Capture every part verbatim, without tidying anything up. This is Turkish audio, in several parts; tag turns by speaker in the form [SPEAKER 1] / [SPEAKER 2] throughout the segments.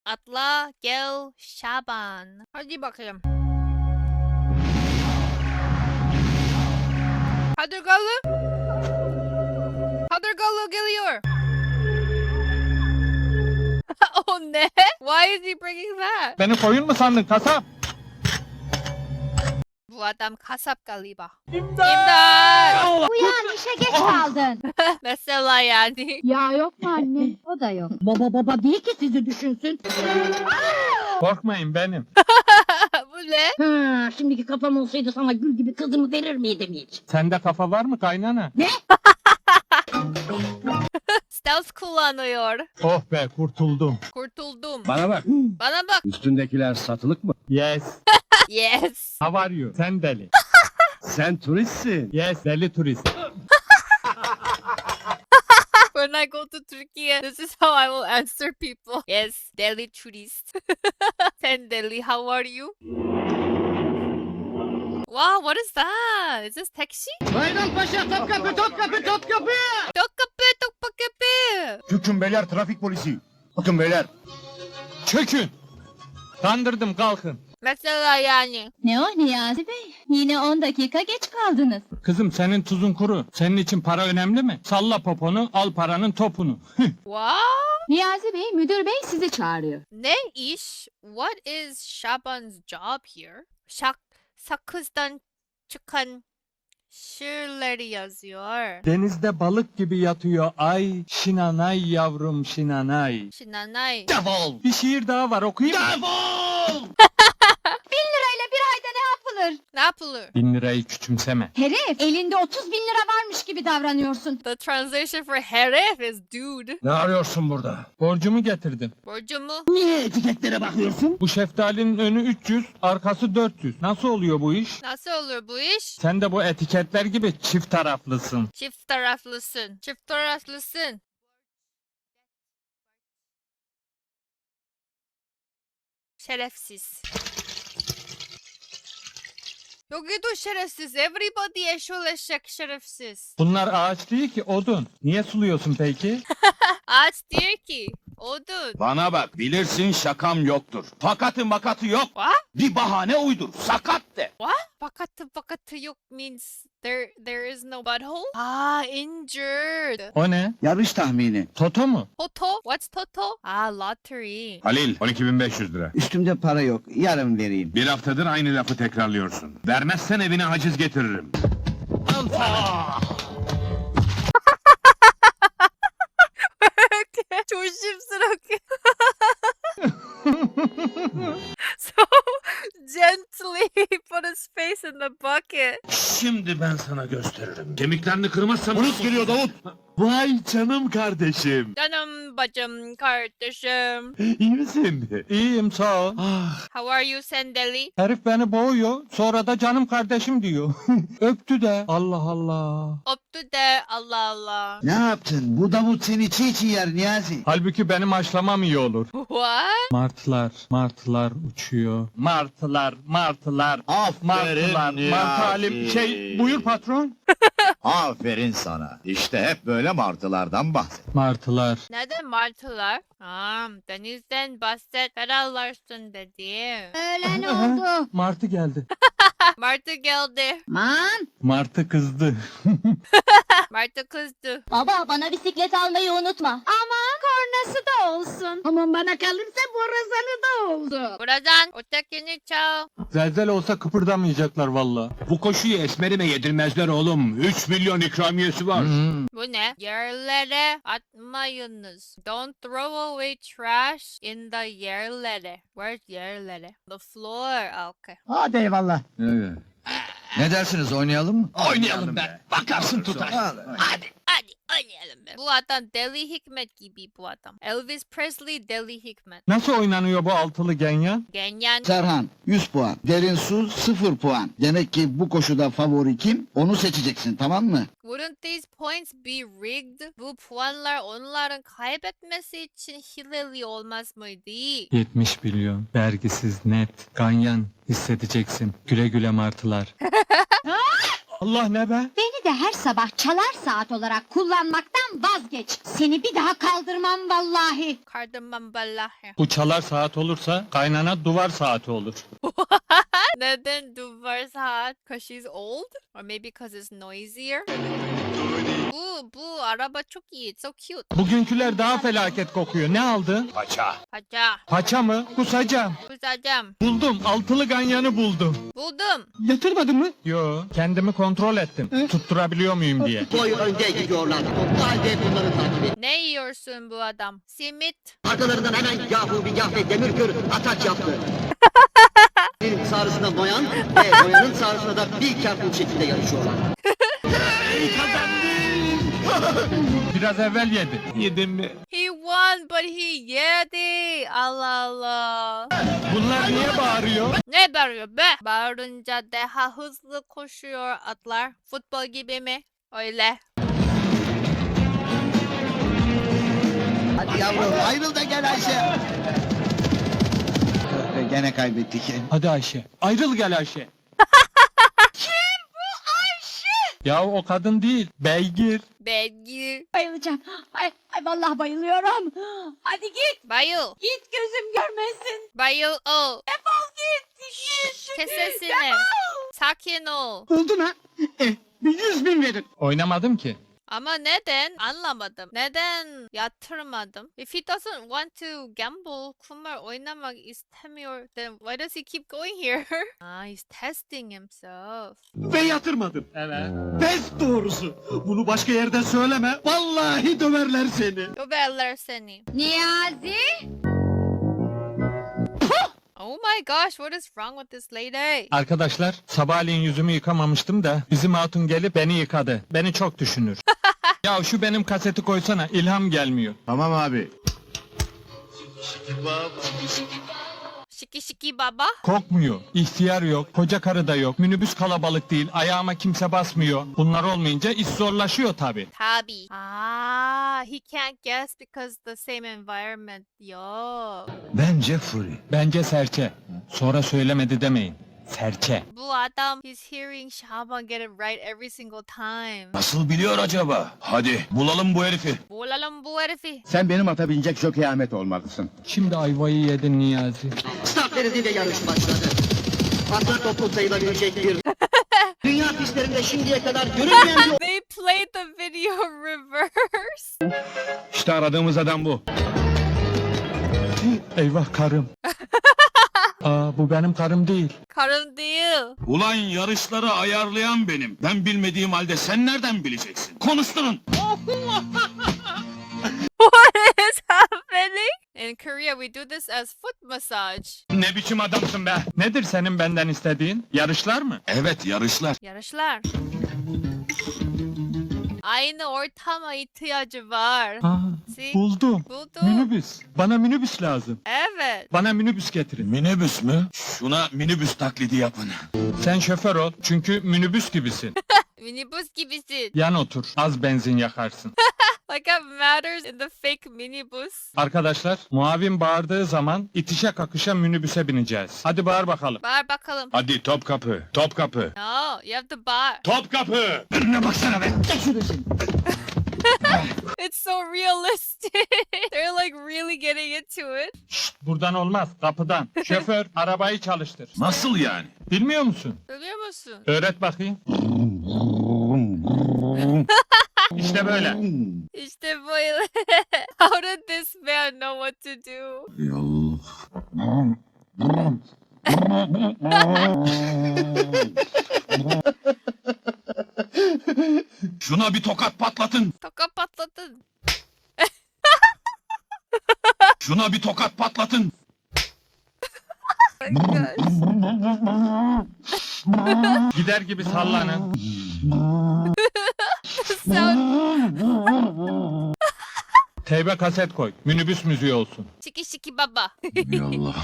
[SPEAKER 1] Atla gel Şaban. Hadi bakalım. Kadırgalı. Kadırgalı geliyor. Oh ne? Why is he bringing that?
[SPEAKER 2] Beni koyun mu sandın kasap?
[SPEAKER 1] Bu adam kasap galiba. İmdat!
[SPEAKER 3] Uyan işe geç kaldın.
[SPEAKER 1] Mesela yani.
[SPEAKER 3] Ya yok mu anne? O da yok. Baba baba değil ki sizi düşünsün.
[SPEAKER 2] Korkmayın benim.
[SPEAKER 1] Bu ne?
[SPEAKER 3] Ha, şimdiki kafam olsaydı sana gül gibi kızımı verir miydim hiç?
[SPEAKER 2] Sende kafa var mı kaynana?
[SPEAKER 1] Stealth kullanıyor.
[SPEAKER 2] Oh be kurtuldum.
[SPEAKER 1] Kurtuldum.
[SPEAKER 4] Bana bak.
[SPEAKER 1] Bana bak.
[SPEAKER 4] Üstündekiler satılık mı?
[SPEAKER 2] Yes.
[SPEAKER 1] Yes.
[SPEAKER 2] How are you? Sen deli.
[SPEAKER 4] Sen turistsin.
[SPEAKER 2] Yes deli turist.
[SPEAKER 1] When I go to Turkey, this is how I will answer people. Yes, Delhi tourist. Sen Delhi, how are you? Wow, what is that? Is this taxi?
[SPEAKER 4] Bayrampaşa Topkapı Topkapı Topkapı.
[SPEAKER 1] Tokapı, tokapı.
[SPEAKER 4] Çökün beyler trafik polisi. Bakın beyler.
[SPEAKER 2] Çökün. Kandırdım kalkın.
[SPEAKER 1] Mesela yani.
[SPEAKER 3] Ne o Niyazi Bey? Yine on dakika geç kaldınız.
[SPEAKER 2] Kızım senin tuzun kuru. Senin için para önemli mi? Salla poponu al paranın topunu.
[SPEAKER 1] Wow.
[SPEAKER 3] Niyazi Bey, müdür bey sizi çağırıyor.
[SPEAKER 1] Ne iş? What is Şaban's job here? Şak, sakızdan çıkan şiirleri yazıyor.
[SPEAKER 2] Denizde balık gibi yatıyor ay. Şinanay yavrum şinanay.
[SPEAKER 1] Şinanay.
[SPEAKER 4] Defol.
[SPEAKER 2] Bir şiir daha var okuyayım mı?
[SPEAKER 4] Defol.
[SPEAKER 3] Bin lirayla bir ayda ne yapılır?
[SPEAKER 1] Ne yapılır?
[SPEAKER 2] Bin lirayı küçümseme.
[SPEAKER 3] Herif, elinde otuz bin lira varmış gibi davranıyorsun.
[SPEAKER 1] The translation for herif is dude.
[SPEAKER 4] Ne arıyorsun burada?
[SPEAKER 2] Borcumu getirdim.
[SPEAKER 1] Borcumu.
[SPEAKER 4] Niye etiketlere bakıyorsun?
[SPEAKER 2] Bu şeftalinin önü üç yüz, arkası dört yüz. Nasıl oluyor bu iş?
[SPEAKER 1] Nasıl olur bu iş?
[SPEAKER 2] Sen de bu etiketler gibi çift taraflısın.
[SPEAKER 1] Çift taraflısın. Çift taraflısın. Şerefsiz. Yok edo şerefsiz. Everybody eşol eşek şerefsiz.
[SPEAKER 2] Bunlar ağaç değil ki odun. Niye suluyorsun peki?
[SPEAKER 1] Ağaç diyor ki odun.
[SPEAKER 4] Bana bak bilirsin şakam yoktur. Fakatı makatı yok.
[SPEAKER 1] What?
[SPEAKER 4] Bir bahane uydur. Sakat de.
[SPEAKER 1] What? Bakatı bakatı yok means there there is no butthole? Ah, injured.
[SPEAKER 2] O ne?
[SPEAKER 4] Yarış tahmini.
[SPEAKER 2] Toto mu?
[SPEAKER 1] Toto? What's Toto? Ah, lottery.
[SPEAKER 5] Halil, on iki bin beş yüz lira.
[SPEAKER 4] Üstümde para yok. Yarın vereyim.
[SPEAKER 5] Bir haftadır aynı lafı tekrarlıyorsun. Vermezsen evine haciz getiririm.
[SPEAKER 1] 조심스럽게. So gently put his face in the bucket.
[SPEAKER 5] Şimdi ben sana gösteririm. Kemiklerini kırmazsam...
[SPEAKER 4] Polis geliyor Davut.
[SPEAKER 5] Vay canım kardeşim.
[SPEAKER 1] Canım bacım kardeşim.
[SPEAKER 5] İyi misin?
[SPEAKER 2] İyiyim sağ ol.
[SPEAKER 5] Ah,
[SPEAKER 1] How are you Sendeli?
[SPEAKER 2] Herif beni boğuyor. Sonra da canım kardeşim diyor. Öptü de. Allah Allah.
[SPEAKER 1] Öptü de Allah Allah.
[SPEAKER 4] Ne yaptın? Bu Davut seni çiğ çiğ yer Niyazi.
[SPEAKER 2] Halbuki benim haşlamam iyi olur.
[SPEAKER 1] What?
[SPEAKER 2] Martılar, martılar uçuyor. Martılar, martılar. Martılar,
[SPEAKER 6] Niyazi.
[SPEAKER 2] martı halim. Şey, buyur patron.
[SPEAKER 6] Aferin sana. İşte hep böyle martılardan bahset.
[SPEAKER 2] Martılar.
[SPEAKER 1] Neden martılar? Aa, denizden bahset ferahlarsın dedi.
[SPEAKER 3] Öğlen oldu.
[SPEAKER 2] Martı geldi.
[SPEAKER 1] Martı geldi.
[SPEAKER 3] Man,
[SPEAKER 2] Martı kızdı.
[SPEAKER 1] Martı kızdı.
[SPEAKER 3] baba bana bisiklet almayı unutma. Aman kornası da olsun. Aman bana kalırsa borazanı da oldu.
[SPEAKER 1] Buradan ötekini çal.
[SPEAKER 2] Zelzel olsa kıpırdamayacaklar valla.
[SPEAKER 5] bu koşuyu esmerime yedirmezler oğlum. üç milyon ikramiyesi var.
[SPEAKER 2] Hmm.
[SPEAKER 1] Bu ne? Yerlere atmayınız. Don't throw away trash in the yerlere. Where's yerlere? The floor. Okay.
[SPEAKER 4] Hadi eyvallah.
[SPEAKER 6] Ne dersiniz oynayalım mı?
[SPEAKER 5] Oynayalım be. Bakarsın tutar.
[SPEAKER 1] Hadi hadi oynayalım be. Bu adam Deli Hikmet gibi bu adam. Elvis Presley Deli Hikmet.
[SPEAKER 2] Nasıl oynanıyor bu altılı genyan?
[SPEAKER 1] Genyen.
[SPEAKER 7] Serhan yüz puan. Derin su sıfır puan. Demek ki bu koşuda favori kim? Onu seçeceksin tamam mı?
[SPEAKER 1] Wouldn't these points be rigged? Bu puanlar onların kaybetmesi için hileli olmaz mıydı?
[SPEAKER 2] yetmiş milyon. Vergisiz net. Ganyan hissedeceksin. Güle güle martılar. Allah ne be?
[SPEAKER 3] Beni de her sabah çalar saat olarak kullanmaktan vazgeç. Seni bir daha kaldırmam vallahi.
[SPEAKER 1] Kardamam vallahi.
[SPEAKER 2] Bu çalar saat olursa kaynana duvar saati olur.
[SPEAKER 1] Neden duvar saat? Cause she's old? Or maybe cause it's noisier? Bu, bu araba çok iyi. It's so cute.
[SPEAKER 2] Bugünküler daha felaket kokuyor. Ne aldın?
[SPEAKER 5] Paça.
[SPEAKER 1] Paça.
[SPEAKER 2] Paça mı? Kusacağım.
[SPEAKER 1] Kusacağım.
[SPEAKER 2] Buldum. Altılı ganyanı buldum.
[SPEAKER 1] Buldum.
[SPEAKER 2] Yatırmadın mı? Yo. Kendimi kontrol ettim. Tutturabiliyor muyum diye.
[SPEAKER 8] Boy önde gidiyorlar. O halde bunları takip et.
[SPEAKER 1] Ne yiyorsun bu adam? Simit.
[SPEAKER 8] Arkalarından hemen Yahu bir Yahve Demirkör ataç yaptı. Bir sağrısında Noyan ve Noyan'ın sağrısında da bir Careful şekilde yarışıyorlar.
[SPEAKER 2] Biraz evvel yedi. Yedim mi?
[SPEAKER 1] He won but he yedi. Allah Allah.
[SPEAKER 2] Bunlar niye bağırıyor?
[SPEAKER 1] Ne bağırıyor be? Bağırınca daha hızlı koşuyor atlar. Futbol gibi mi? Öyle.
[SPEAKER 7] Hadi yavrum ayrıl da gel Ayşe. Gene kaybettik.
[SPEAKER 2] Hadi Ayşe. Ayrıl gel Ayşe. Kim bu Ayşe? Ya o kadın değil. Beygir.
[SPEAKER 1] Belgi.
[SPEAKER 3] Bayılacağım. Ay, ay vallahi bayılıyorum. Hadi git.
[SPEAKER 1] Bayıl.
[SPEAKER 3] Git gözüm görmesin.
[SPEAKER 1] Bayıl ol.
[SPEAKER 3] Defol git. Git.
[SPEAKER 1] Kes sesini.
[SPEAKER 3] Defol.
[SPEAKER 1] Sakin ol.
[SPEAKER 7] Oldu mu? Eh, bir yüz bin verin.
[SPEAKER 2] Oynamadım ki.
[SPEAKER 1] Ama neden? Anlamadım. Neden yatırmadım? If he doesn't want to gamble, kumar oynamak istemiyor, then why does he keep going here? Ah, he's testing himself.
[SPEAKER 6] Ve yatırmadım.
[SPEAKER 2] Evet.
[SPEAKER 6] Pes doğrusu. Bunu başka yerde söyleme. Vallahi döverler seni.
[SPEAKER 1] Döverler seni.
[SPEAKER 3] Niyazi.
[SPEAKER 1] Oh my gosh, what is wrong with this lady?
[SPEAKER 2] Arkadaşlar sabahleyin yüzümü yıkamamıştım da bizim hatun gelip beni yıkadı. Beni çok düşünür. Ya şu benim kaseti koysana, ilham gelmiyor.
[SPEAKER 6] Tamam abi.
[SPEAKER 1] Şiki şiki baba.
[SPEAKER 2] Kokmuyor, ihtiyar yok, koca karı da yok, minibüs kalabalık değil, ayağıma kimse basmıyor. Bunlar olmayınca iş zorlaşıyor tabi.
[SPEAKER 1] Tabi. Ah, he can't guess because the same environment. Yo.
[SPEAKER 5] Bence Fury.
[SPEAKER 2] Bence serçe. Sonra söylemedi demeyin. Serçe.
[SPEAKER 1] Bu adam, he's hearing Şaban get it right every single time.
[SPEAKER 5] Nasıl biliyor acaba? Hadi bulalım bu herifi.
[SPEAKER 1] Bulalım bu herifi.
[SPEAKER 6] Sen benim ata binecek Jockey Ahmet olmalısın.
[SPEAKER 2] Şimdi ayvayı yedin Niyazi.
[SPEAKER 8] Start verildi ve yarış başladı. Atlar toplu sayılabilecek bir... Dünya pistlerinde şimdiye kadar görülmeyen bir...
[SPEAKER 1] They played the video reverse.
[SPEAKER 5] İşte aradığımız adam bu.
[SPEAKER 2] Eyvah karım. Aa bu benim karım değil.
[SPEAKER 1] Karın değil.
[SPEAKER 4] Ulan yarışları ayarlayan benim. Ben bilmediğim halde sen nereden bileceksin? Konuşturun.
[SPEAKER 1] What is happening? In Korea we do this as foot massage.
[SPEAKER 2] Ne biçim adamsın be? Nedir senin benden istediğin? Yarışlar mı?
[SPEAKER 4] Evet yarışlar.
[SPEAKER 1] Yarışlar. Aynı ortama ihtiyacı var.
[SPEAKER 2] Aa,
[SPEAKER 1] See?
[SPEAKER 2] buldum.
[SPEAKER 1] Buldum.
[SPEAKER 2] Minibüs. Bana minibüs lazım.
[SPEAKER 1] Evet.
[SPEAKER 2] Bana minibüs getirin.
[SPEAKER 4] Minibüs mü? Şuna minibüs taklidi yapın.
[SPEAKER 2] Sen şoför ol çünkü minibüs gibisin.
[SPEAKER 1] Minibüs gibisin.
[SPEAKER 2] Yan otur. Az benzin yakarsın.
[SPEAKER 1] Like it matters in the fake minibus.
[SPEAKER 2] Arkadaşlar muavin bağırdığı zaman itişe kakışa minibüse bineceğiz. Hadi bağır bakalım.
[SPEAKER 1] Bağır bakalım.
[SPEAKER 5] Hadi Topkapı. Topkapı.
[SPEAKER 1] No, you have to bağır.
[SPEAKER 5] Topkapı. Önüne baksana be.
[SPEAKER 1] It's so realistic. They're like really getting into it.
[SPEAKER 2] Şşt, buradan olmaz kapıdan. Şoför arabayı çalıştır.
[SPEAKER 4] Nasıl yani?
[SPEAKER 2] Bilmiyor musun?
[SPEAKER 1] Biliyor musun?
[SPEAKER 2] Öğret bakayım. İşte böyle.
[SPEAKER 1] İşte böyle. How did this man know what to do?
[SPEAKER 4] Yol. Şuna bir tokat patlatın.
[SPEAKER 1] Toka patladın.
[SPEAKER 4] Şuna bir tokat patlatın.
[SPEAKER 1] Oh my gosh.
[SPEAKER 2] Gider gibi sallanın.
[SPEAKER 1] Sound
[SPEAKER 2] Teybe kaset koy. Minibüs müziği olsun.
[SPEAKER 1] şiki şiki baba.
[SPEAKER 4] Yallah.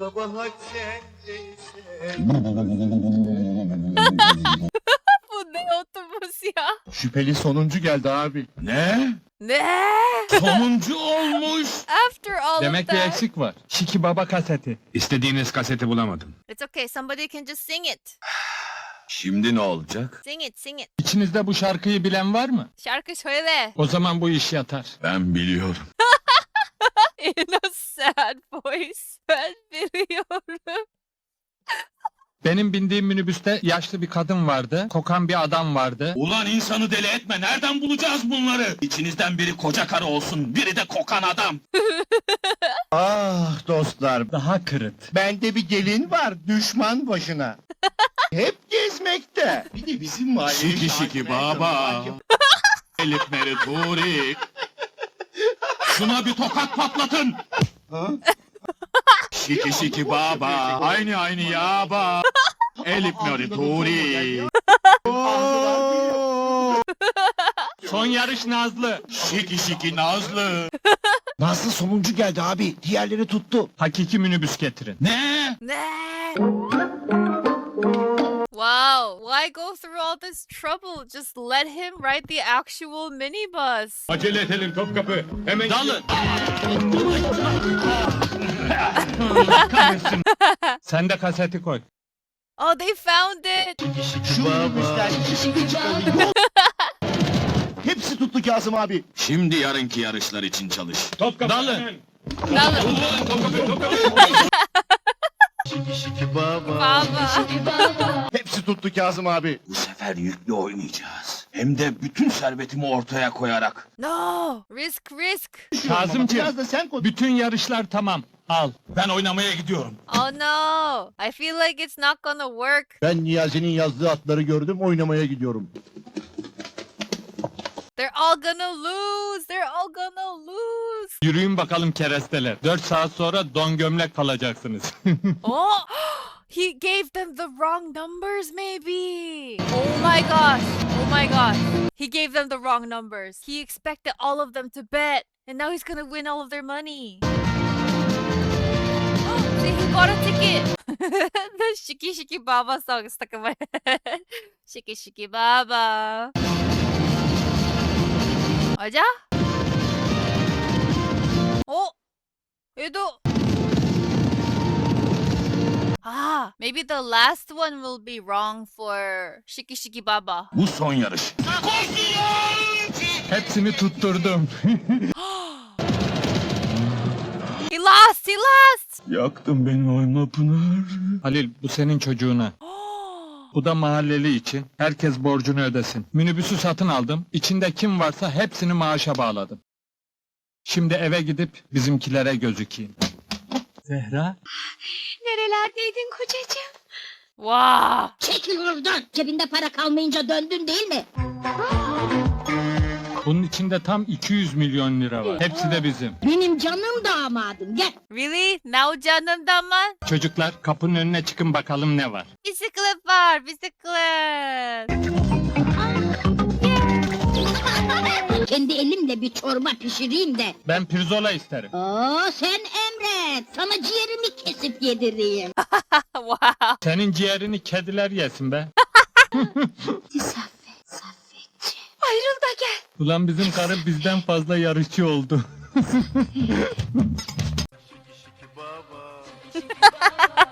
[SPEAKER 1] Bu ne otobüs ya?
[SPEAKER 6] Şüpheli sonuncu geldi abi.
[SPEAKER 4] Ne?
[SPEAKER 1] Ne?
[SPEAKER 4] Sonuncu olmuş.
[SPEAKER 1] After all
[SPEAKER 2] Demek
[SPEAKER 1] of
[SPEAKER 2] bir
[SPEAKER 1] that.
[SPEAKER 2] eksik var. Şiki Baba kaseti.
[SPEAKER 5] İstediğiniz kaseti bulamadım.
[SPEAKER 1] It's okay, somebody can just sing it.
[SPEAKER 4] Şimdi ne olacak?
[SPEAKER 1] Sing it, sing it.
[SPEAKER 2] İçinizde bu şarkıyı bilen var mı?
[SPEAKER 1] Şarkı söyle.
[SPEAKER 2] O zaman bu iş yatar.
[SPEAKER 4] Ben biliyorum.
[SPEAKER 1] In a sad voice. Ben biliyorum.
[SPEAKER 2] Benim bindiğim minibüste yaşlı bir kadın vardı, kokan bir adam vardı.
[SPEAKER 4] Ulan insanı deli etme. Nereden bulacağız bunları? İçinizden biri koca karı olsun, biri de kokan adam.
[SPEAKER 6] Ah dostlar,
[SPEAKER 2] Daha kırıt.
[SPEAKER 6] bende bir gelin var düşman başına. Hep gezmekte. Bir de bizim mahalleyi
[SPEAKER 4] Şiki şiki baba. Elif Meri Turi. Şuna bir tokat patlatın. Şiki şiki baba. Aynı aynı yaba. Elif Meri Turi.
[SPEAKER 2] Son yarış Nazlı.
[SPEAKER 4] Şiki şiki Nazlı.
[SPEAKER 6] Nasıl sonuncu geldi abi? Diğerleri tuttu.
[SPEAKER 2] Hakiki minibüs getirin.
[SPEAKER 4] Ne?
[SPEAKER 1] Ne? Wow, why go through all this trouble? Just let him ride the actual minibus.
[SPEAKER 5] Acele edelim Topkapı. Hemen
[SPEAKER 4] Dalın.
[SPEAKER 2] Sen de kaseti koy.
[SPEAKER 1] Oh, they found it.
[SPEAKER 6] Şu minibüsler ikisi bir çıkalım. Hepsi tuttu Kazım abi.
[SPEAKER 4] Şimdi yarınki yarışlar için çalış.
[SPEAKER 5] Topkapı.
[SPEAKER 2] Dalın.
[SPEAKER 5] hemen.
[SPEAKER 1] Dalın.
[SPEAKER 5] Topkapı, Topkapı.
[SPEAKER 1] Baba.
[SPEAKER 6] Hepsi tuttu Kazım abi.
[SPEAKER 4] Bu sefer yüklü oynayacağız. Hem de bütün servetimi ortaya koyarak.
[SPEAKER 1] No. Risk, risk.
[SPEAKER 2] Kazımcığım,
[SPEAKER 6] Biraz da sen koy.
[SPEAKER 2] bütün yarışlar tamam. Al.
[SPEAKER 4] Ben oynamaya gidiyorum.
[SPEAKER 1] Oh no. I feel like it's not gonna work.
[SPEAKER 6] Ben Niyazi'nin yazdığı atları gördüm, oynamaya gidiyorum.
[SPEAKER 1] They're all gonna lose. They're all gonna lose.
[SPEAKER 2] Yürüyün bakalım keresteler. Dört saat sonra don gömlek kalacaksınız.
[SPEAKER 1] Oh, he gave them the wrong numbers, maybe. Oh my gosh. Oh my gosh. He gave them the wrong numbers. He expected all of them to bet, and now he's gonna win all of their money. See, he bought a ticket. The Shiki Shiki Baba song is stuck in my head. Shiki Shiki Baba. Aja? Oh, Edo. Ah, maybe the last one will be wrong for Shiki Shiki Baba.
[SPEAKER 4] Bu son yarış.
[SPEAKER 2] Hepsini tutturdum.
[SPEAKER 1] He lost, he lost.
[SPEAKER 4] Yaktın beni oyma Pınar.
[SPEAKER 2] Halil, bu senin çocuğuna. Bu da mahalleli için. Herkes borcunu ödesin. Minibüsü satın aldım. İçinde kim varsa hepsini maaşa bağladım. Şimdi eve gidip bizimkilere gözükeyim. Zehra?
[SPEAKER 3] Nerelerdeydin kocacığım?
[SPEAKER 1] Wow.
[SPEAKER 3] Çekil oradan. Cebinde para kalmayınca döndün değil mi?
[SPEAKER 2] Bunun içinde tam iki yüz milyon lira var. Hepsi de bizim.
[SPEAKER 3] Benim canım damadım. Gel.
[SPEAKER 1] Really? Now canım daman?
[SPEAKER 2] Çocuklar, kapının önüne çıkın bakalım ne var.
[SPEAKER 1] Bisiklet var, bisiklet.
[SPEAKER 3] Kendi elimle bir çorba pişireyim de.
[SPEAKER 2] Ben pirzola isterim.
[SPEAKER 3] Oo, sen emret. Sana ciğerimi kesip yedireyim.
[SPEAKER 1] Wow.
[SPEAKER 2] Senin ciğerini kediler yesin be.
[SPEAKER 3] Saffet, Saffetçi. Ayrıl da gel.
[SPEAKER 2] Ulan bizim karı bizden fazla yarışçı oldu.